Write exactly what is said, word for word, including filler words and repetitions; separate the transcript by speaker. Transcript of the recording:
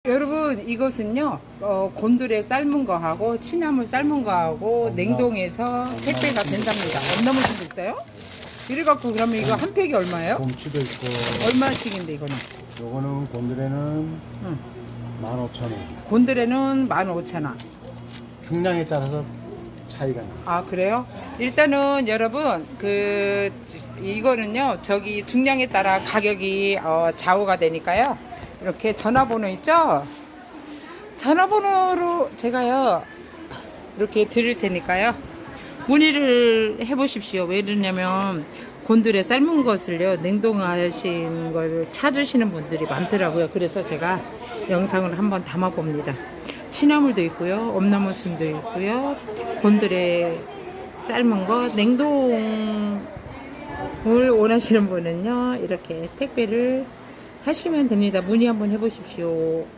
Speaker 1: 여러분 이것은요 어, 곤드레 삶은 거하고 취나물 삶은 거하고 냉동해서 택배가 된답니다. 엄나무도 있어요? 이래갖고 그러면 이거 한 팩이 얼마예요?
Speaker 2: 곰치도 있고.
Speaker 1: 얼마씩인데 이거는?
Speaker 2: 요거는 곤드레는
Speaker 1: 응.
Speaker 2: 만 오천 원.
Speaker 1: 곤드레는 만 오천 원.
Speaker 2: 중량에 따라서 차이가 나.
Speaker 1: 아 그래요? 일단은 여러분 그 이거는요 저기 중량에 따라 가격이 어, 좌우가 되니까요. 이렇게 전화번호 있죠? 전화번호로 제가요 이렇게 드릴 테니까요 문의를 해보십시오. 왜 그러냐면 곤드레 삶은 것을요 냉동하신 걸 찾으시는 분들이 많더라고요. 그래서 제가 영상을 한번 담아 봅니다. 취나물도 있고요, 엄나무순도 있고요, 곤드레 삶은 거 냉동을 원하시는 분은요 이렇게 택배를 하시면 됩니다. 문의 한번 해보십시오.